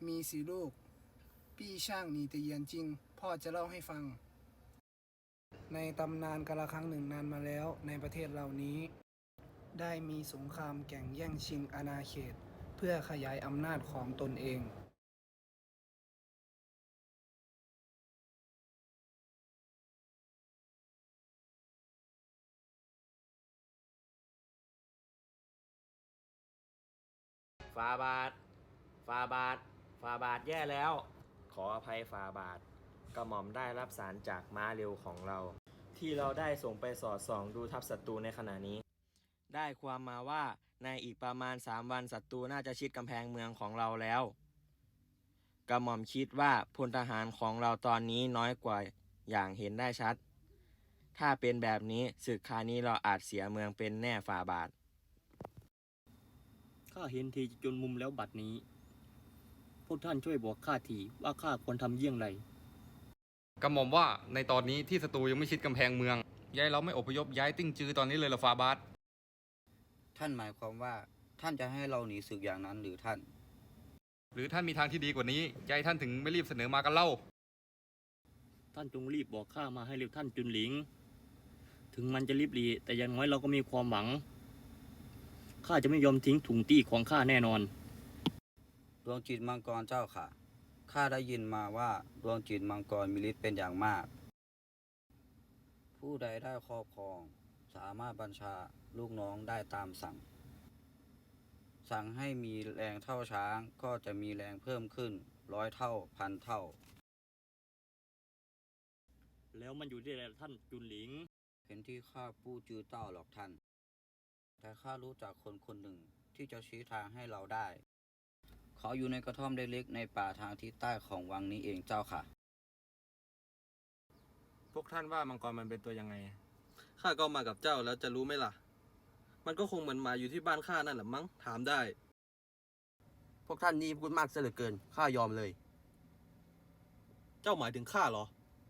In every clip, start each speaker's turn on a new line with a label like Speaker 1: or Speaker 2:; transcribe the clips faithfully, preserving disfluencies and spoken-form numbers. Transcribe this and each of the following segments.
Speaker 1: มีสี่ลูกปี้ช่างหนีแต่เยียนจริงพ่อจะเล่าให้ฟังในตำนานกาลครั้งหนึ่งนานมาแล้วในประเทศเหล่านี้ได้มีสงครามแข่งแย่งชิงอาณาเขตเพื่อขยายอำนาจของตนเอง
Speaker 2: ฟาบาทฟาบาทฟาบาทแย่แล้ว ขออภัยฟาบาทกระหม่อมได้รับสารจากม้าเร็วของเรา ที่เราได้ส่งไปสอดส่องดูทัพศัตรูในขณะนี้ ได้ความมาว่าในอีกประมาณสามวันศัตรูน่าจะชิดกำแพงเมืองของเราแล้วกระหม่อมคิดว่าพลทหารของเราตอนนี้น้อยกว่าอย่างเห็นได้ชัด ถ้าเป็นแบบนี้ศึกคราวนี้เราอาจเสียเมืองเป็นแน่ฝ่าบาท
Speaker 3: ข้าเห็นทีจนมุมแล้วบัดนี้พวกท่านช่วยบอกข้าทีว่าข้าควรทำเยี่ยงไร
Speaker 4: กระหม่อมว่าในตอนนี้ที่ศัตรูยังไม่ชิดกำแพงเมืองย้ายเราไม่อพยพย้ายติ้งจือตอนนี้เลยเหรอฟาบาส
Speaker 5: ท่านหมายความว่าท่านจะให้เราหนีศึกอย่างนั้นหรือท่าน
Speaker 4: หรือท่านมีทางที่ดีกว่านี้ย้ายท่านถึงไม่รีบเสนอมากันเล่า
Speaker 3: ท่านจงรีบบอกข้ามาให้เร็วท่านจุนหลิงถึงมันจะรีบรีแต่อย่างน้อยเราก็มีความหวังข้าจะไม่ยอมทิ้งถุงตี้ของข้าแน่นอน
Speaker 5: ดวงจิตมังกรเจ้าค่ะข้าได้ยินมาว่าดวงจิตมังกรมีฤทธิ์เป็นอย่างมากผู้ใดได้ครอบครองสามารถบัญชาลูกน้องได้ตามสั่งสั่งให้มีแรงเท่าช้างก็จะมีแรงเพิ่มขึ้นร้อยเท่าพันเท่า
Speaker 3: แล้วมันอยู่ที่ไหนท่านจุนหลิง
Speaker 5: เห็นที่ข้าปู้จือเต้าหรอกท่านแต่ข้ารู้จักคนคนหนึ่งที่จะชี้ทางให้เราได้เขาอยู่ในกระท่อมเล็กๆในป่าทางทิศใต้ของวังนี้เองเจ้าค่ะ
Speaker 2: พวกท่านว่ามังกรมันเป็นตัวยังไง
Speaker 6: ข้าก็มากับเจ้าแล้วจะรู้ไหมล่ะมันก็คงเหมือนหมาอยู่ที่บ้านข้านั่นแหละมั้งถามได้
Speaker 7: พวกท่านนี่พูดมากซะเหลือเกินข้ายอมเลย
Speaker 6: เจ้าหมายถึงข้าเหรอ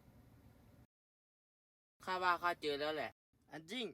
Speaker 8: ข้าว่าข้าเจอแล้วแหละอันจริง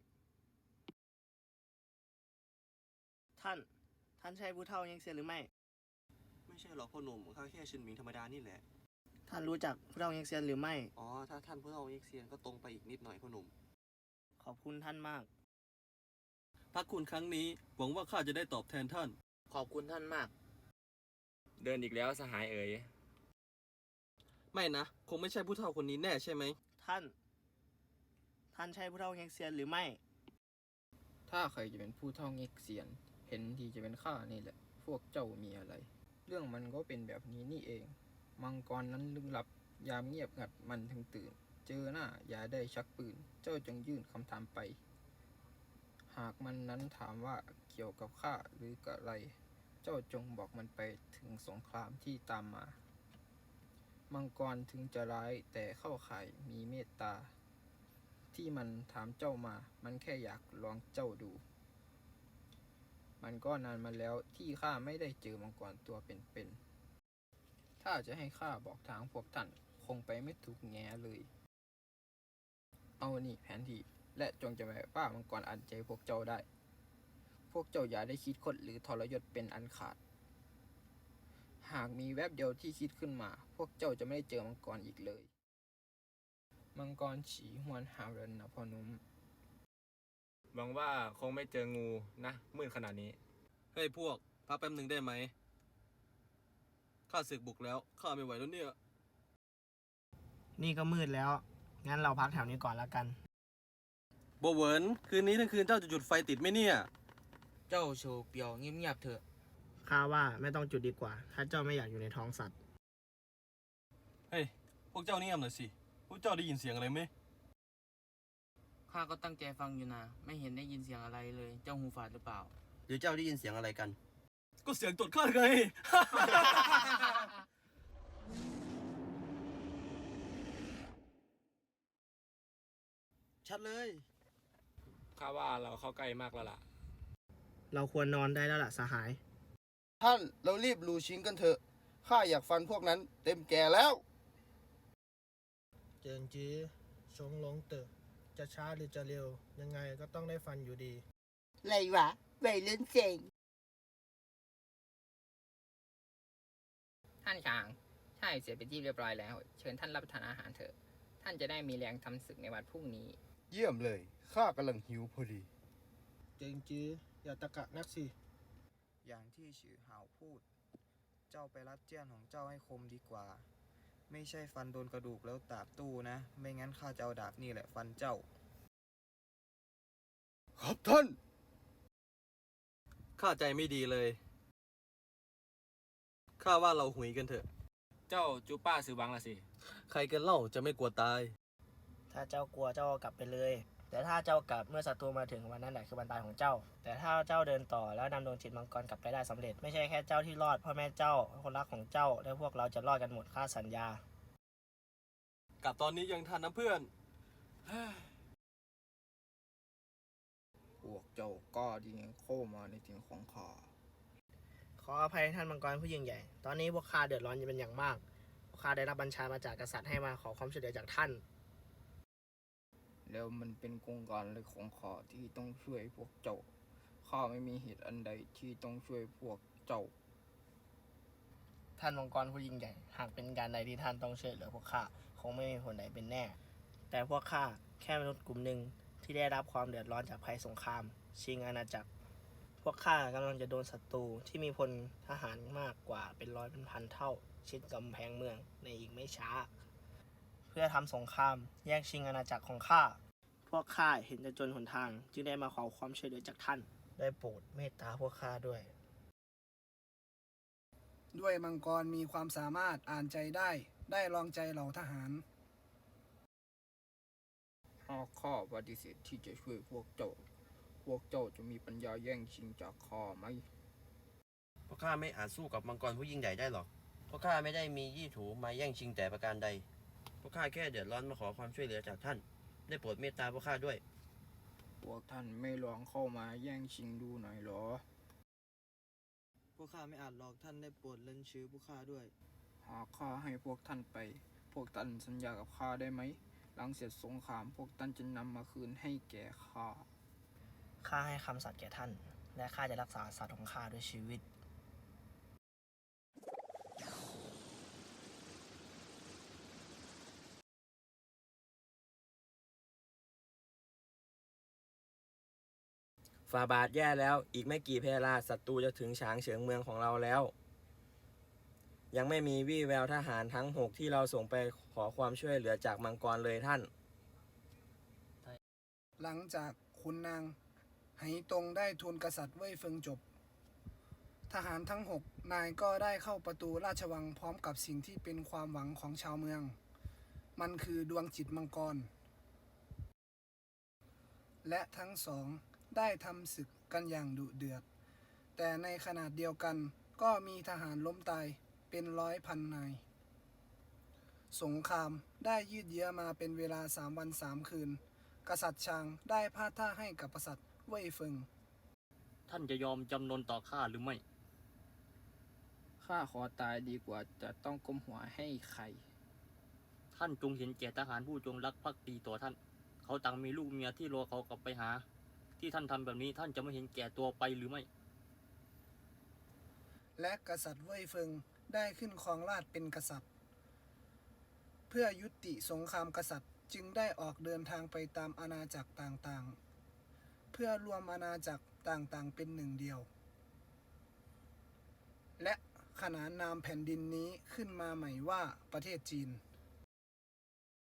Speaker 8: ท่านท่านใช่ผู้เฒ่ายังเสียหรือไม่
Speaker 6: ไม่ใช่หรอกพ่อหนุ่มข้าแค่ชินหมิงธรรมดานี่แหละ
Speaker 8: ท่านรู้จักผู้เฒ่ายังเสียหรือไม่
Speaker 6: อ๋อถ้าท่านผู้เฒ่ายังเซียนก็ตรงไปอีกนิดหน่อยพ่อหนุ่ม
Speaker 8: ขอบคุณท่านมาก
Speaker 6: พักคุณครั้งนี้หวังว่าข้าจะได้ตอบแทนท่าน
Speaker 8: ขอบคุณท่านมาก
Speaker 2: เดินอีกแล้วสหายเอ๋ย
Speaker 6: ไม่นะคงไม่ใช่ผู้เฒ่าคนนี้แน่ใช่ไหม
Speaker 8: ท่านท่านใช่ผู้เฒ่ายังเสียหรือไม่
Speaker 1: ถ้าใครจะเป็นผู้เฒ่าเง็กเซียนเห็นทีจะเป็นข้านี่แหละพวกเจ้ามีอะไรเรื่องมันก็เป็นแบบนี้นี่เองมังกรนั้นลึกลับยามเงียบงัดมันถึงตื่นเจอหน้าอย่าได้ชักปืนเจ้าจงยื่นคำถามไปหากมันนั้นถามว่าเกี่ยวกับข้าหรือกับอะไรเจ้าจงบอกมันไปถึงสงครามที่ตามมามังกรถึงจะร้ายแต่เข้าข่ายมีเมตตาที่มันถามเจ้ามามันแค่อยากลองเจ้าดูมันก็นานมาแล้วที่ข้าไม่ได้เจอมังกรตัวเป็นๆถ้าจะให้ข้าบอกทางพวกท่านคงไปไม่ถูกแง่เลยเอานี่แผนที่และจงจำไว้ว่ามังกรอันใจพวกเจ้าได้พวกเจ้าอย่าได้คิดคดหรือทรยศเป็นอันขาดหากมีแวบเดียวที่คิดขึ้นมาพวกเจ้าจะไม่ได้เจอมังกรอีกเลยมังกรฉีหวนหาเรนนะพ่อนุ่ม
Speaker 2: หวังว่าคงไม่เจองูนะมืดขนาดนี้
Speaker 6: เฮ้ยพวกพักแป๊บหนึ่งได้ไหมข้าศึกบุกแล้วข้าไม่ไหวแล้วเนี่ย
Speaker 8: นี่ก็มืดแล้วงั้นเราพักแถวนี้ก่อนแล้วกัน
Speaker 6: โบเวิร์นคืนนี้ทั้งคืนเจ้าจะจุดไฟติดไหมเนี่ย
Speaker 5: เจ้าโชว์เปียวเงียบๆเถอะ
Speaker 8: ข้าว่าไม่ต้องจุดดีกว่าถ้าเจ้าไม่อยากอยู่ในท้องสัตว์
Speaker 6: เฮ้ยพวกเจ้านี่ยหน่อยสิพวกเจ้าได้ยินเสียงอะไรไหม
Speaker 8: ข้าก็ตั้งใจฟังอยู่นะไม่เห็นได้ยินเสียงอะไรเลยเจ้าหูฝาดหรือเปล่า
Speaker 7: หรือเจ้าได้ยินเสียงอะไรกัน
Speaker 6: ก็เสียงตดข้าไง
Speaker 7: ชัดเลย
Speaker 2: ข้าว่าเราเข้าใกล้มากแล้วล่ะ
Speaker 8: เราควรนอนได้แล้วล่ะสหาย
Speaker 9: ท่านเรารีบลูชิงกันเถอะข้าอยากฟันพวกนั้นเต็มแก่แล้ว
Speaker 10: เจิงจื้อชงหลงเต๋อจะช้าหรือจะเร็วยังไงก็ต้องได้ฟันอยู่ดี
Speaker 11: ไรวะวัยรุ่นเจ๋ง
Speaker 1: ท่านชางใช่เสร็จเป็นที่เรียบร้อยแล้ว เชิญท่านรับประทานอาหารเถอะ ท่านจะได้มีแรงทำศึกในวันพรุ่งนี้
Speaker 9: เยี่ยมเลย ข้ากำลังหิวพอดี
Speaker 10: เจงจื้ออย่าตะกะนักสิ
Speaker 11: อย่างที่ฉือหาวพูด เจ้าไปรัดเจี้ยนของเจ้าให้คมดีกว่า ไม่ใช่ฟันโดนกระดูกแล้วดาบตู้นะ ไม่งั้นข้าจะเอาดาบนี่แหละฟันเจ้า
Speaker 9: ครับท่าน
Speaker 6: ข้าใจไม่ดีเลย ข้าว่าเราหุยกันเถอะ
Speaker 3: เจ้าจูป้าซื้อบังละสิ
Speaker 6: ใครกันเล่าจะไม่กลัวตาย
Speaker 12: ถ้าเจ้ากลัวเจ้าก็กลับไปเลย แต่ถ้าเจ้ากลับเมื่อศัตรูมาถึงวันนั้นแหละคือวันตายของเจ้า แต่ถ้าเจ้าเดินต่อแล้วนำดวงจิตมังกรกลับไปได้สำเร็จ ไม่ใช่แค่เจ้าที่รอดพ่อแม่เจ้าคนรักของเจ้าและพวกเราจะรอดกันหมดข้าสัญญา
Speaker 6: กลับตอนนี้ยังทันนะเพื่อน
Speaker 1: พวกเจ้าก็ดีเข้ามาในถิ่นของข้า
Speaker 12: ขออภัยท่านมังกรผู้ยิ่งใหญ่ ตอนนี้พวกข้าเดือดร้อนเป็นอย่างมาก พวกข้าได้รับบัญชามาจากกษัตริย์ให้มาขอความช่วยเหลือจากท่าน
Speaker 1: แล้วมันเป็นโครงการอะไรของข้าที่ต้องช่วยพวกเจ้า ข้าไม่มีเหตุอันใดที่ต้องช่วยพวกเจ้า
Speaker 12: ท่านมังกรผู้ยิ่งใหญ่ หากเป็นการใดที่ท่านต้องช่วยเหลือพวกข้าคงไม่มีผลใดเป็นแน่ แต่พวกข้าแค่มนุษย์กลุ่มหนึ่งที่ได้รับความเดือดร้อนจากภัยสงคราม ชิงอาณาจักร พวกข้ากำลังจะโดนศัตรูที่มีพลทหารมากกว่าเป็นร้อยเป็นพันเท่า ชิดกำแพงเมืองในอีกไม่ช้า เพื่อทำสงครามแย่งชิงอาณาจักรของข้า พวกข้าเห็นจะจนหนทาง จึงได้มาขอความช่วยเหลือจากท่าน ได้โปรดเมตตาพวกข้าด้วย
Speaker 13: ด้วยมังกรมีความสามารถอ่านใจได้ ได้ลองใจเหล่าทหาร
Speaker 1: หากข้าปฏิเสธที่จะช่วยพวกเจ้า พวกเจ้าจะมีปัญญาแย่งชิงจากข้าไหม
Speaker 7: พวกข้าไม่อาจสู้กับมังกรผู้ยิ่งใหญ่ได้หรอก พวกข้าไม่ได้มียี่ถูมาแย่งชิงแต่ประการใด พวกข้าแค่เดือดร้อนมาขอความช่วยเหลือจากท่าน ได้โปรดเมตตาพวกข้าด้วย
Speaker 1: พวกท่านไม่ลองเข้ามาแย่งชิงดูหน่อยหรอ
Speaker 11: พวกข้าไม่อาจหลอกท่านได้โปรดเล่นชื่อพวกข้าด้วย
Speaker 1: หากข้าให้พวกท่านไป พวกท่านสัญญากับข้าได้ไหม หลังเสร็จสงครามพวกท่านจะนำมาคืนให้แก่ข้า
Speaker 12: ข้าให้คำสัตย์แก่ท่าน และข้าจะรักษาสัตย์ของข้าด้วยชีวิต
Speaker 2: ฟาบาทแย่แล้ว อีกไม่กี่เพลาศัตรูจะถึงฉางเฉิงเมืองของเราแล้ว ยังไม่มีวี่แววทหารทั้งหกที่เราส่งไปขอความช่วยเหลือจากมังกรเลยท่าน
Speaker 13: หลังจากขุนนางไหตงได้ทูลกษัตริย์เว่ยเฟิงจบ ทหารทั้งหกนายก็ได้เข้าประตูราชวังพร้อมกับสิ่งที่เป็นความหวังของชาวเมือง มันคือดวงจิตมังกร และทั้งสองได้ทำศึกกันอย่างดุเดือด แต่ในขณะเดียวกันก็มีทหารล้มตายเป็นร้อยพันนาย สงครามได้ยืดเยื้อมาเป็นเวลาสามวันสามคืน กษัตริย์ชางได้พาดท่าให้กับกษัตริย์เว่ยเฟิง
Speaker 3: ท่านจะยอมจำนนต่อข้าหรือไม่
Speaker 1: ข้าขอตายดีกว่าจะต้องก้มหัวให้ใคร
Speaker 3: ท่านจงเห็นแก่ทหารผู้จงรักภักดีต่อท่าน เขาต่างมีลูกเมียที่รอเขากลับไปหา ที่ท่านทำแบบนี้ท่านจะไม่เห็นแก่ตัวไปหรือไม่
Speaker 13: และกษัตริย์เว่ยเฟิงได้ขึ้นครองราชย์เป็นกษัตริย์ เพื่อยุติสงครามกษัตริย์จึงได้ออกเดินทางไปตามอาณาจักรต่างๆ เพื่อรวมอาณาจักรต่างๆเป็นหนึ่งเดียว และขนานนามแผ่นดินนี้ขึ้นมาใหม่ว่าประเทศจีน